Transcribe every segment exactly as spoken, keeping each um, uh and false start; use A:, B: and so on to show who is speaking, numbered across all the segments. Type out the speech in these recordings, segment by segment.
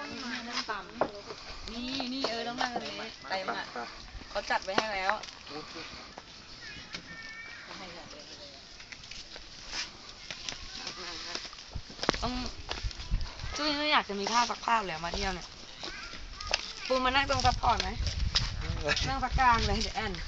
A: นั่งต่ำนี่นี่เออต้องนั่งเลยเต็มอ่ะเขาจัดไว้ให้แล้วต้องจุ้ยไม่อยากจะมีผ้าซักผ้าเลยมาเที่ยวเนี่ยปูมานั่งตรงซัพพอร์ตไหมนั่งพักกลางเลยเดี๋ยวแอน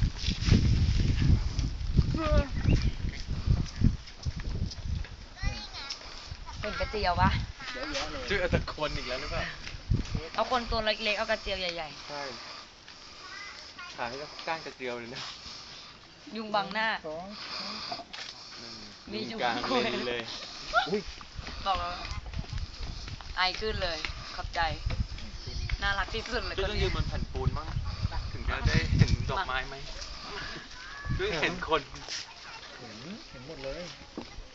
A: เห็นกระเจียวปะ
B: ชื่อตะคนอีกแล้วหรือเปล่า
A: เอาคนตัวเล็กๆเอากระเจียวใหญ่
B: ๆใช่ขายก็ก้านกระเจียวเลยนะ
A: ยุงบังหน้ามียุงกลาง
B: เลย
A: บอกแล้วไอขึ้นเลยขอบใจน่ารักที่สุดเลย
B: ต้องยืนบนแผ่นปูนมั้งถึงจะได้เห็นดอกไม้ไหมด้วยเห็นคน
C: เห็นเห็นหมดเลย